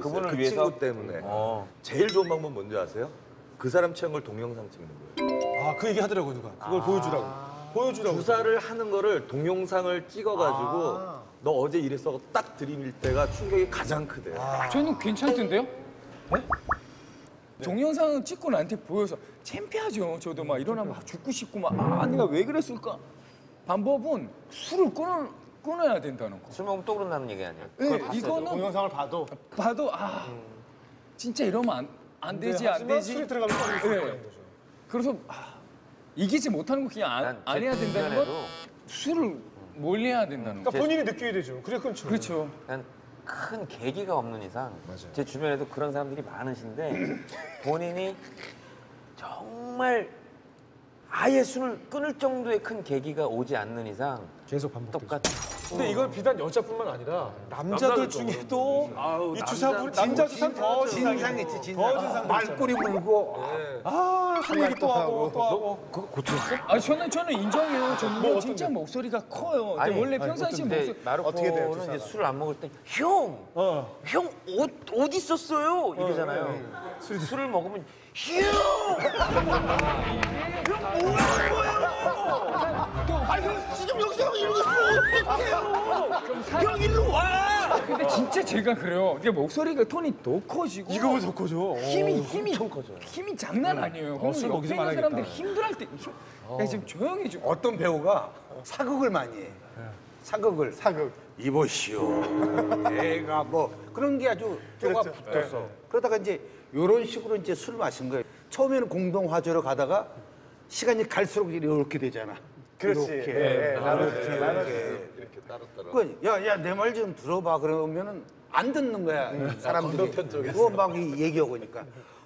그분을 그 위해서? 친구 때문에. 제일 좋은 방법 뭔지 아세요? 그 사람 취한 걸 동영상 찍는 거예요. 아, 그 얘기 하더라고요, 누가. 그걸 보여주라고. 보여주라고. 주사를 하는 거를 동영상을 찍어가지고 너 어제 이랬어 딱 들이밀 때가 충격이 가장 크대요. 저는 괜찮던데요? 네? 동영상 찍고 나한테 보여서 창피하죠. 저도 막 일어나면 막 죽고 싶고 막 내가 왜 그랬을까? 방법은 술을 끊어야 된다는 거. 술 먹으면 또 그런다는 얘기 아니에요? 네, 이거는 동영상을 봐도. 진짜 이러면 안 되지, 안 하지만 되지. 술이 들어가면 또 있을 네. 거라는 거죠. 그래서 이기지 못하는 거 그냥 안 해야 된다는 건 술을 몰래야 된다는 거. 그러니까 본인이 느끼게 되죠. 그래 끊죠. 그렇죠. 그냥 큰 계기가 없는 이상 제 주변에도 그런 사람들이 많으신데 본인이 정말 아예 술을 끊을 정도의 큰 계기가 오지 않는 이상 계속 반복되죠. 똑같아. 근데 이건 비단 여자뿐만 아니라 남자들 중에도 이 주사분 남자 주사 더 진상 있지, 진상. 더 진상 말꼬리 물고. 한 얘기 또 하고 또 하고. 그거 고쳤어? 아 저는 인정해요. 저는 뭐 진짜 목소리가 커요. 근데 아니, 원래 평상시 근데 목소리 어떻게 돼요, 마르코는 이제 주사가? 술을 안 먹을 때 형! 형 옷 있었어요? 이러잖아요. 술을 먹으면 형! 형 뭐하는 거예요? 아니 지금 여기서 이러고 있으면 어떡해요? 형 일로 와! 근데 진짜 제가 그래요. 이게 목소리가 톤이 더 커지고 이거보다 더 커져. 힘이 장난 아니에요. 그럼 술 옆에 먹이지 있는 말아야겠다. 사람들이 힘들할 때 야, 지금 조용히 좀. 어떤 배우가 사극을 많이 해. 사극을. 이보시오. 애가 뭐 그런 게 아주 뼈가 붙었어. 그러다가 이제 이런 식으로 이제 술을 마신 거예요. 처음에는 공동 화제로 가다가 시간이 갈수록 이렇게 되잖아. 그렇지. 이렇게. 이렇게 따로따로. 야, 내 말 좀 들어봐. 그러면은 안 듣는 거야. 사람들이. 그거 막 얘기하고 그러니까.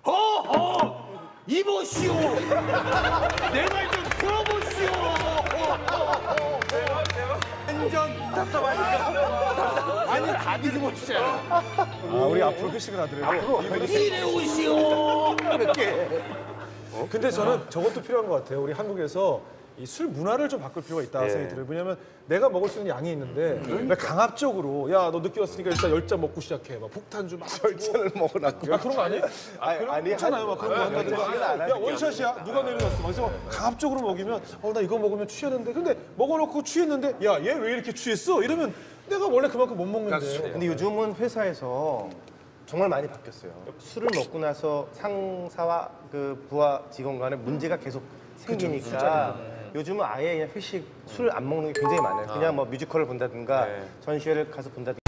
이보시오. 내 말 좀 들어보시오. 완전 답답하니까. 아니 다 뒤집어지잖아. 우리 앞으로 회식을 하더라도. 이래 오시오. 이렇게. 근데 저는 저것도 필요한 것 같아요. 우리 한국에서 이 술 문화를 좀 바꿀 필요가 있다고 생각이 들어요. 왜냐면 내가 먹을 수 있는 양이 있는데 왜 강압적으로 야 너 늦게 왔으니까 일단 10잔 먹고 시작해. 막 폭탄주 막 10잔을 먹으라고. 그런 거 아니에요? 아니 하잖아요. 막 그런 거 한다든가. 야 원샷이야. 누가 내려놨어. 그래서 강압적으로 먹이면 나 이거 먹으면 취하는데 근데 먹어놓고 취했는데 야 얘 왜 이렇게 취했어? 이러면 내가 원래 그만큼 못 먹는데. 근데 요즘은 회사에서 정말 많이 바뀌었어요. 술을 먹고 나서 상사와 그 부하 직원 간에 문제가 계속 생기니까 요즘은 아예 그냥 회식 술 안 먹는 게 굉장히 많아요. 그냥 뭐 뮤지컬을 본다든가 전시회를 가서 본다든가